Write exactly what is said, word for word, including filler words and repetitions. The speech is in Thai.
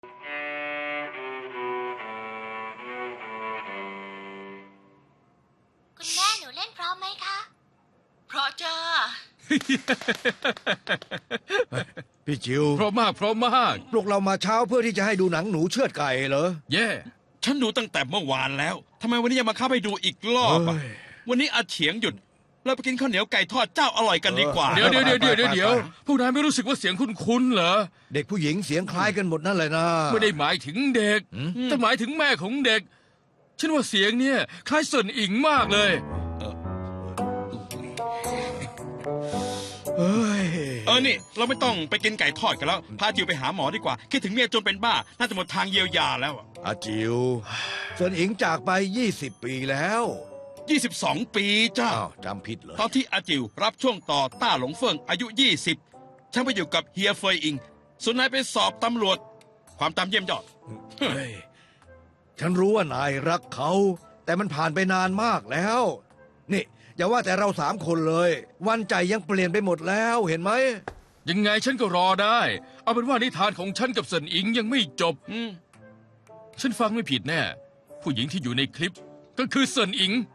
คุณแม่หนูเล่นพร้อมไหมคะเพราะจ้าพี่จิวเพราะมากเพราะมากปลุกเรามาเช้าเพื่อที่จะให้ดูหนังหนูเชือดไก่เหรอเย่ฉันดูตั้งแต่เมื่อวานแล้วทำไมวันนี้ยังมาเข้าไปดูอีกรอบอะเฮ้ยวันนี้อาเฉียงหยุด เราไปกินข้าวเหนียวไก่ทอดเจ้าอร่อยกันดีกว่าเดี๋ยวเดี๋ยวเดี๋ยวเดี๋ยวเดี๋ยวเดี๋ยวพวกนายไม่รู้สึกว่าเสียงคุ้นๆเหรอเด็กผู้หญิงเสียงคล้ายกันหมดนั่นเลยนะไม่ได้หมายถึงเด็ก แต่หมายถึงแม่ของเด็ก ฉันว่าเสียงเนี่ยคล้ายเซินอิงมากเลยเฮ้ยเออนี่ เราไม่ต้องไปกินไก่ทอดกันแล้ว พาจิวไปหาหมอดีกว่า คิดถึงเมียจนเป็นบ้า น่าจะหมดทางเยียวยาแล้วอะอาจิวเซินอิงจากไปยี่สิบปีแล้วยี่สิบสองปีจ้าอ้าวจำผิดเหรอตอนที่อาจิวรับช่วงต่อต้าหลงเฟิงอายุยี่สิบฉันไปอยู่กับเฮียเฟยอิงส่วนนายไปสอบตำรวจ ความตามเยี่ยมยอดเฮ้ยฉันรู้ว่านายรักเขา แต่มันผ่านไปนานมากแล้ว นี่อย่าว่าแต่เราสามคนเลย วันใจยังเปลี่ยนไปหมดแล้วเห็นไหมยังไงฉันก็รอได้ เอาเป็นว่านิทานของฉันกับเซินอิงยังไม่จบอืมฉันฟังไม่ผิดแน่ ผู้หญิงที่อยู่ในคลิป ก็คือเซินอิง